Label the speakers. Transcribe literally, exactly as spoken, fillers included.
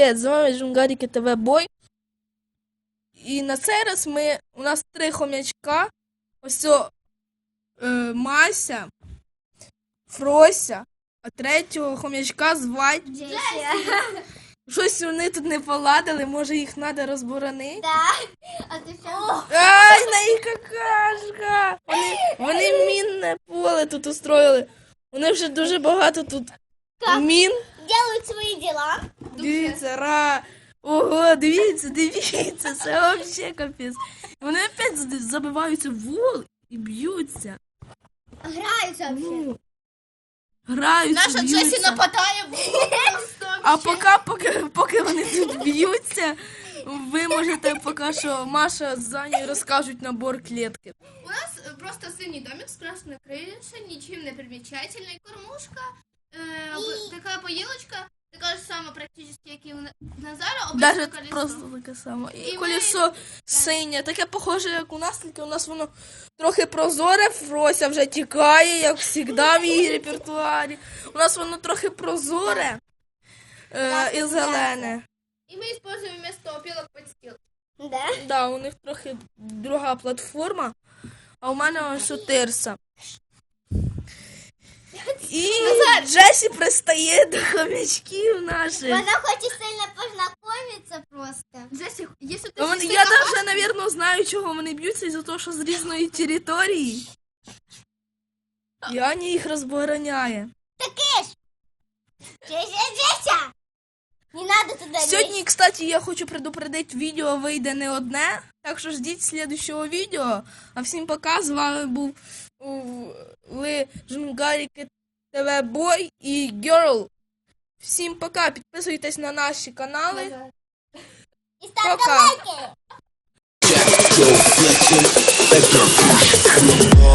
Speaker 1: Привіт, з вами Жунгарики ТВ Бой. І на цей раз ми, у нас три хомячка. Ось о, е, Мася, Фрося, а третього хомячка звать
Speaker 2: Джесі.
Speaker 1: Щось вони тут не поладили, може їх треба розборонити.
Speaker 2: Так. А ти що?
Speaker 1: Ай, на їх какашка! Вони, вони мінне поле тут устроїли. Вони вже дуже багато тут мін.
Speaker 2: Делають свої діла.
Speaker 1: Дивіться, ра. Ого, дивіться, дивіться, це взагалі капець. Вони опять забиваються в вол і б'ються.
Speaker 2: Граються взагалі.
Speaker 1: Ну, граються,
Speaker 3: Наша
Speaker 1: б'ються.
Speaker 3: Джесі нападає в
Speaker 1: А поки, поки, поки вони тут б'ються, ви можете поки що Маша з Занєю розкажуть набор клітки.
Speaker 3: У нас е, просто синій домик з красною кришею, нічим не примічательний, кормушка, е, об- така поїлочка, така ж сама практично, як і у На- Назара, обичне
Speaker 1: Даже
Speaker 3: колесо.
Speaker 1: просто таке саме. І,
Speaker 3: І ми-
Speaker 1: колесо синє, таке похоже, як у нас, тільки у нас воно трохи прозоре, Фрося вже тікає, як завжди в її репертуарі. У нас воно трохи прозоре е, і зелене.
Speaker 3: І ми використовуємо вместо опілок подстіл.
Speaker 2: Да?
Speaker 1: Да, у них трохи друга платформа, а у мене ось у тирса. І Джесі пристає до хомячків наших.
Speaker 2: Вона хоче сильно познайомитися просто.
Speaker 3: Джесі, якщо ти
Speaker 1: Ну, вони-
Speaker 3: щось
Speaker 1: Я
Speaker 3: така-
Speaker 1: навіть, навірно, знаю, чого вони б'ються, із-за того, що з різної території. І Аня їх розбороняє.
Speaker 2: Таке ж. Джеся, Джеся. Не надо туди
Speaker 1: Сьогодні, кстати, я хочу предупредити, відео вийде не одне, так що ждіть слідущого відео. А всім пока, з вами був у- ви Жунгарики ТВ Бой і Girl. Всім пока, підписуйтесь на наші канали.
Speaker 2: І ставте
Speaker 1: Пока.
Speaker 2: лайки.
Speaker 4: Jack, go flexion, vector.